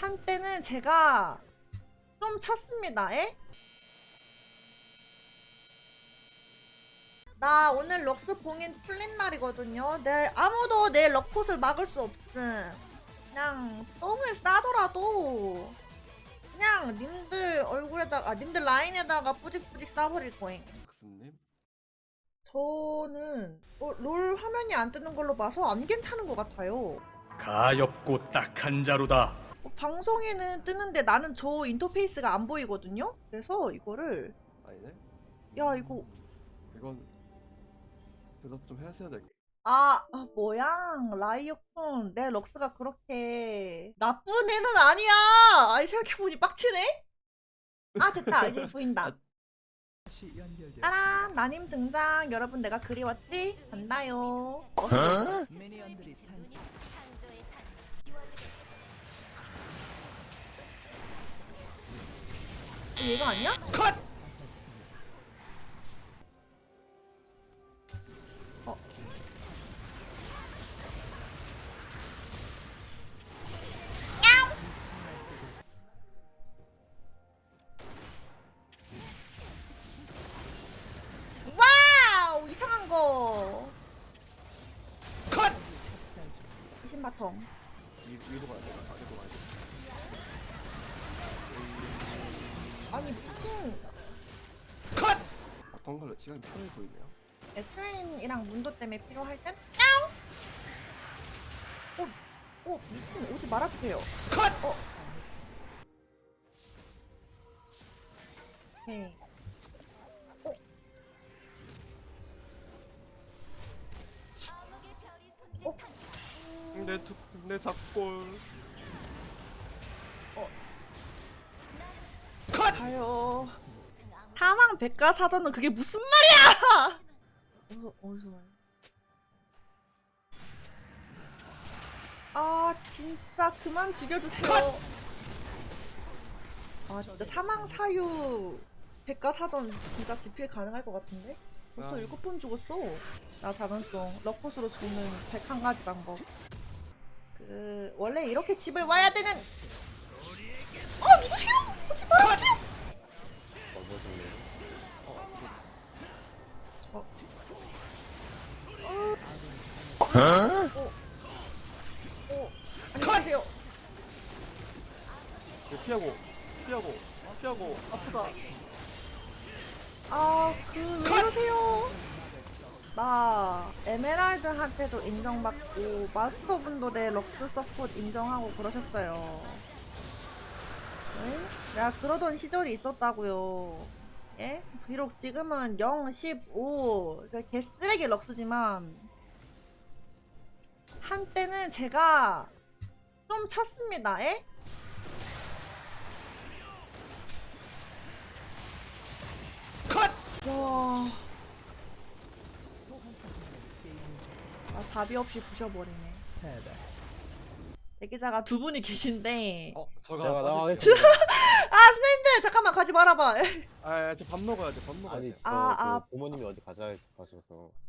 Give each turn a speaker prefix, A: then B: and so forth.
A: 한때는 제가 좀 쳤습니다. 에? 나 오늘 럭스 봉인 풀린 날이거든요. 아무도 내 럭폿을 막을 수 없음. 그냥 똥을 싸더라도 그냥 님들 얼굴에다가 님들 라인에다가 뿌직뿌직 싸버릴 거임.
B: 박스님?
A: 저는 롤 화면이 안 뜨는 걸로 봐서 안 괜찮은 것 같아요.
C: 가엾고 딱한 자루다.
A: 방송에는 뜨는데 나는 저 인터페이스가 안 보이거든요. 그래서 이거를
B: 아니네?
A: 야 이거
B: 이건 대답 좀 하셔야 될
A: 뭐야 라이어콘 내 럭스가 그렇게 나쁜 애는 아니야. 아니 생각해보니 빡치네. 됐다 이제 보인다. 따란 나님 등장. 여러분 내가 그리웠지? 간다요. 얘가 아니야?
C: 컷!
A: 와우 이상한 거.
C: 컷!
A: 이신바텀.
B: 위로 가야 돼. 아래로 가야 돼.
A: 아니 미친.
C: 컷!
B: 어떤 걸로 시간이 편해 보이네요.
A: 에스린이랑 문도 때문에 필요할 땐 미친 오지 말아주세요.
C: 컷!
A: 오케이.
B: 내 작골.
C: 컷!
A: 가요. 사망 백과사전은 그게 무슨 말이야? 어디서 와요? 진짜 그만 죽여주세요. 진짜 사망 사유 백과사전 진짜 집필 가능할 것 같은데? 벌써 7번 죽었어. 나 작은송 럭폿으로 죽는 101가지 방법. 원래 이렇게 집을 와야 되는. 누구세요? 오지 말아주세요. 안녕하세요.
B: 피하고
A: 아프다. 왜 이러세요? 나 에메랄드한테도 인정받고 마스터분도 내 럭스 서폿 인정하고 그러셨어요. 네? 내가 그러던 시절이 있었다고요. 예? 비록 지금은 0, 15 그러니까 개쓰레기 럭스지만 한때는 제가 좀 쳤습니다. 예?
C: 컷!
A: 와. 답이 없이 부셔버리네. 대기자가 두 분이 계신데.
B: 제가
D: 나가겠습니다.
A: 선생님들 잠깐만 가지 말아봐.
B: 저 밥 먹어야 돼. 밥 먹어야
D: 아니
B: 돼.
D: 저 부모님이 어디 가셔서